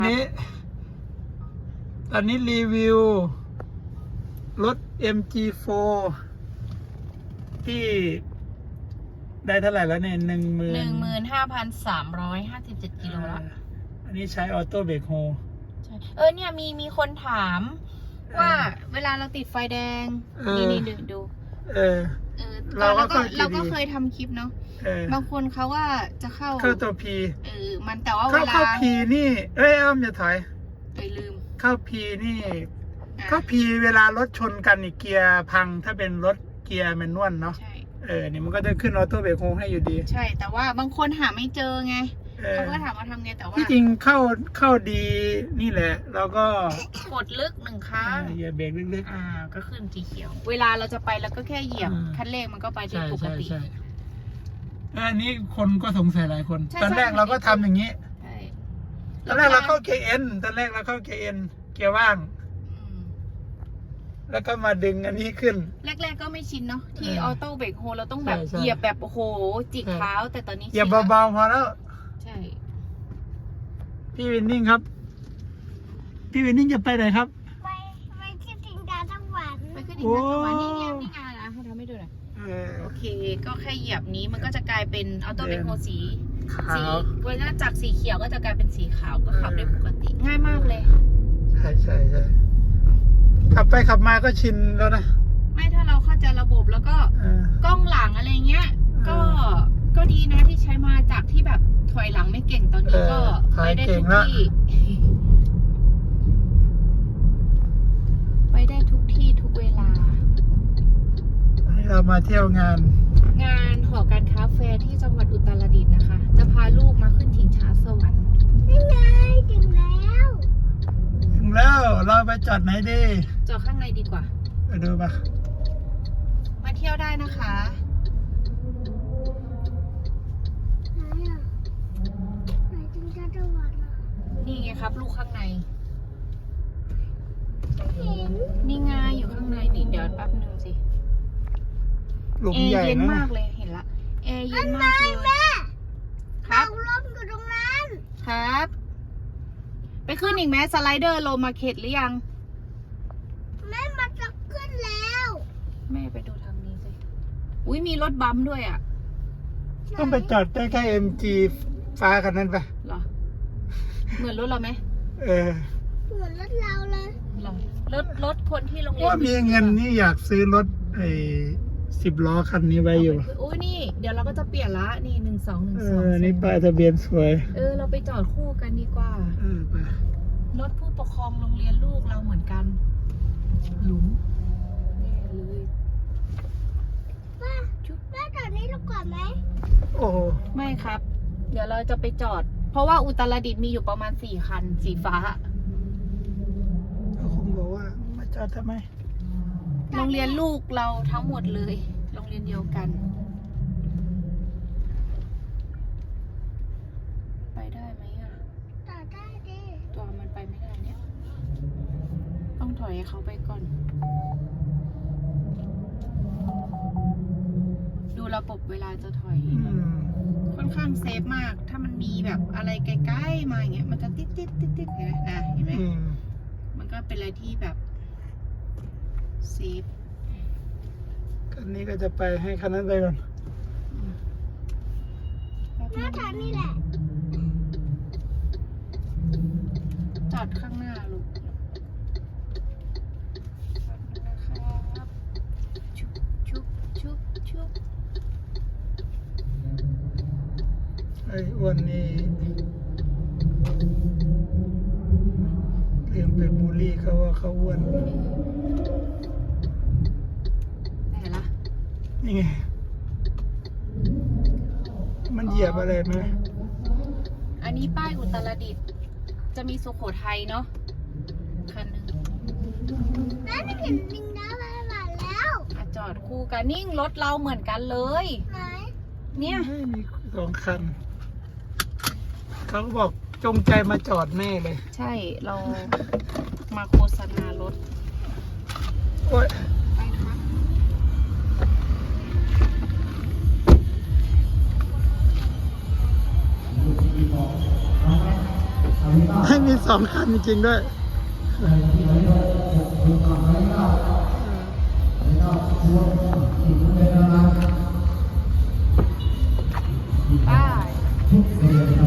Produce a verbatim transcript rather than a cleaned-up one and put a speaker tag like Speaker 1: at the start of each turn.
Speaker 1: นี้ตอนนี้รีวิวรถ เอ็ม จี โฟร์ ที่ได้เท่าไหร่แล้วเนี่ยหนึ่งหมื่น
Speaker 2: หนึ่งหมื่นห้าพันสามร้อยห้าสิบเจ็ดกิโลแล้ว
Speaker 1: อันนี้ใช้ออโต้เบรกโฮ
Speaker 2: ใช่เออเนี่ยมีมีคนถามว่าเวลาเราติดไฟแดง นี่นี่ดูดู
Speaker 1: เออ
Speaker 2: เออ
Speaker 1: เราก็
Speaker 2: ก็
Speaker 1: เข้า
Speaker 2: เราก็
Speaker 1: ดี
Speaker 2: เคยทำคลิปเนาะ
Speaker 1: เออบ
Speaker 2: างคนเขาว่าจะเข้า
Speaker 1: เข้าตัวพี
Speaker 2: เออมันแต่ว่าเว
Speaker 1: เข้า
Speaker 2: ลา
Speaker 1: เข้าพีนี่ เอ้ยอ้อมอย่าถอย
Speaker 2: ไปลืม
Speaker 1: เข้าพีนี่
Speaker 2: อ่ะ
Speaker 1: เข้าพีเวลารถชนกันอีกเกียร์พังถ้าเป็นรถเกียร์แมนนวลเนาะ
Speaker 2: ใช่
Speaker 1: เออเนี่ยมันก็จะขึ้นออโต้เบรกโฮให้อยู่ดี
Speaker 2: ใช่แต่ว่าบางคนหาไม่เจอไง
Speaker 1: เออ
Speaker 2: เขาก็ถามว่าทำไงแต่ว่า
Speaker 1: ที่จริงเข้าเข้าดีนี่แหละ แล้วก็
Speaker 2: กดลึกหนึ่งครั้ง
Speaker 1: เหยียบเบรกลึก
Speaker 2: อ่าก็ขึ้นสีเขียว เวลาเราจะไปแล้วก็แค่เหยียบ
Speaker 1: อืม
Speaker 2: คันเร่งมันก็ไป
Speaker 1: ๆ
Speaker 2: ได้
Speaker 1: ใช่
Speaker 2: ปก
Speaker 1: ใช่
Speaker 2: ติ
Speaker 1: ใช่เอออันนี้คนก็สงสัยหลายคน
Speaker 2: ใช่
Speaker 1: ตอนแรก
Speaker 2: ใช่
Speaker 1: เราก็ทำอย่างนี้
Speaker 2: ใช่
Speaker 1: ตอนแรกเราเข้าเกียร์เอ็นตอนแรกเราเข้าเกียร์เอ็นเกียร์ว่าง
Speaker 2: อืม
Speaker 1: แล้วก็มาดึงอันนี้ขึ้น
Speaker 2: แรกๆก็ไม่ชินเนาะที่
Speaker 1: เออ
Speaker 2: ออโต้เบรกโฮเราต้องแบบ
Speaker 1: ใช่ใช่
Speaker 2: เหยียบแบบโอ้โหจิก
Speaker 1: ใช่
Speaker 2: เท้าแต่ตอนนี้
Speaker 1: เหยียบ
Speaker 2: ชินแล้ว
Speaker 1: เบาๆพอแล้ว
Speaker 2: ใช่
Speaker 1: พี่วินนิ่งครับ พี่วินนิ่งจะไปไหนครับ
Speaker 3: ไปไปที่จิงดาสวรรค์
Speaker 2: ไปขึ้นอีกนะวันนี้เนี่ยนี่ไงนะเขาทำให้ดูหน่อย
Speaker 1: เออ
Speaker 2: โอเคก็แค่เหยียบนี้มันก็จะกลายเป็นออโต้เบรกโฮสี
Speaker 1: ขา
Speaker 2: สี
Speaker 1: ว
Speaker 2: เวลาจากสีเขียวก็จะกลายเป็นสีขาวก็ขับได้ปกติง่ายมากเลย
Speaker 1: ใช่ใช่ใช่ขับไปขับมาก็ชินแล้วนะ
Speaker 2: ไม่ถ้าเราเข้าใจระบบแล้วก็
Speaker 1: เออก
Speaker 2: ล้องหลังอะไรเงี้ย ก็ก็ดีนะที่ใช้มาจากที่แบบถอยหลังไม่เก่งตอนนี้ก็ไปได้ทุกที่ ไปได้ทุกที่ทุกเวลา
Speaker 1: ให้เรามาเที่ยวงาน
Speaker 2: งานหอการค้าแฟร์ที่จังหวัดอุตรดิตถ์นะคะ จะพาลูกมาขึ้นถิงช้าสวรรค์
Speaker 3: นี่ไงถึงแล้ว
Speaker 1: ถึงแล้วเราไปจอดไหนดี
Speaker 2: จอดข้างในดีกว่า
Speaker 1: ไปดูปะ
Speaker 2: มาเที่ยวได้นะคะ
Speaker 3: ไหนอ่ะไหนจิงดาสวรรค์อ่ะ
Speaker 2: นี่ไงครับ ลูกข้างใน
Speaker 3: เห็น
Speaker 2: นี่ไงอยู่ข้างในนี่เดี๋ยวแป๊บนึงสิ
Speaker 1: หลุม
Speaker 2: แอร์
Speaker 1: ใหญ่
Speaker 2: เย็น
Speaker 1: นะ
Speaker 2: มากเลยเห็นละแอร์เย็นมากเลย
Speaker 3: แม่
Speaker 2: ครับ
Speaker 3: เอาลมอยู่ตรงนั้น
Speaker 2: ครับ ไปขึ้นอีกไหมสไลเดอร์โลมาเข็ดหรือยัง
Speaker 3: แม่มันจะขึ้นแล้ว
Speaker 2: แม่ไปดูทางนี้สิ อุ้ยมีรถบัมป์ด้วยอ่ะ
Speaker 1: ต้องไปจอดใกล้ๆเอ็มจีฟ้าคันนั้นไป
Speaker 2: เหรอ เหมือนรถเราไหม
Speaker 1: เออ
Speaker 3: เหมือนรถเราเลย
Speaker 2: เหรอรถรถคนที่โรงเรียน
Speaker 1: ว่ามีเงินนี่อยากซื้อรถไอ้สิบล้อคันนี้ไว้อยู่
Speaker 2: โอ้ยนี่ เดี๋ยวเราก็จะเปลี่ยนละ นี่หนึ่งสองหนึ่ง
Speaker 1: เอ
Speaker 2: สอง
Speaker 1: อ นี่ป้ายทะเบียนสวย
Speaker 2: เออ เราไปจอดคู่กันดีกว่า
Speaker 1: เออไป
Speaker 2: รถผู้ปกครองโรงเรียนลูกเราเหมือนกัน หลุมแน่เลย
Speaker 3: แม่แม่จอดนี้เราก่อนไหม
Speaker 1: โอ้โห
Speaker 2: ไม่ครับ เดี๋ยวเราจะไปจอด เพราะว่าอุตรดิตถ์มีอยู่ประมาณสี่คัน สีฟ้า
Speaker 1: เขาคงบอกว่ามาจอดทำไม
Speaker 2: โรงเรียนลูกเราทั้งหมดเลย โรงเรียนเดียวกัน ไปได้ไหมอ่ะ
Speaker 3: จอดได้ดิ
Speaker 2: ตัวมันไปไม่ได้เนี่ย ต้องถอยให้เขาไปก่อน ดูระบบเวลาจะถอย
Speaker 1: อืม
Speaker 2: ค่อนข้างเซฟมาก ถ้ามันมีแบบอะไรใกล้ๆมาอย่างเงี้ย มันจะติดติดติดติดเห็นไหมอ่ะเห็นไหม
Speaker 1: อืม
Speaker 2: มันก็เป็นอะไรที่แบบเซฟ
Speaker 1: คันนี้ก็จะไปให้คันนั้นไปก่อน
Speaker 3: แม่จอดนี่แหละ
Speaker 2: จอดข้างหน้าลูกนะครับชุบชุบชุบชุบ
Speaker 1: ไอ้อ้วนนี่ลืมไปบูลลี่เขาว่าเขาอ้วน
Speaker 2: ไหนล่ะ
Speaker 1: นี่ไง มันเหยียบอะไรไหม
Speaker 2: อันนี้ป้ายอุตรดิตถ์จะมีสุโขทัยเนาะคันหนึ่ง
Speaker 3: แม่ไม่เห็นจิงดาสวรรค์แล้ว
Speaker 2: อ่ะจอดคู่กันนิ่งรถเราเหมือนกันเลย
Speaker 3: ไหน
Speaker 2: เนี่ย
Speaker 1: ไม่มีสองคัน เขาก็บอกจงใจมาจอดแน่เลย
Speaker 2: ใช่เรามาโฆษณารถ
Speaker 1: โอ้ย
Speaker 2: ไปครับ
Speaker 1: ให้มีสองคันจริงๆด้วย
Speaker 2: ได้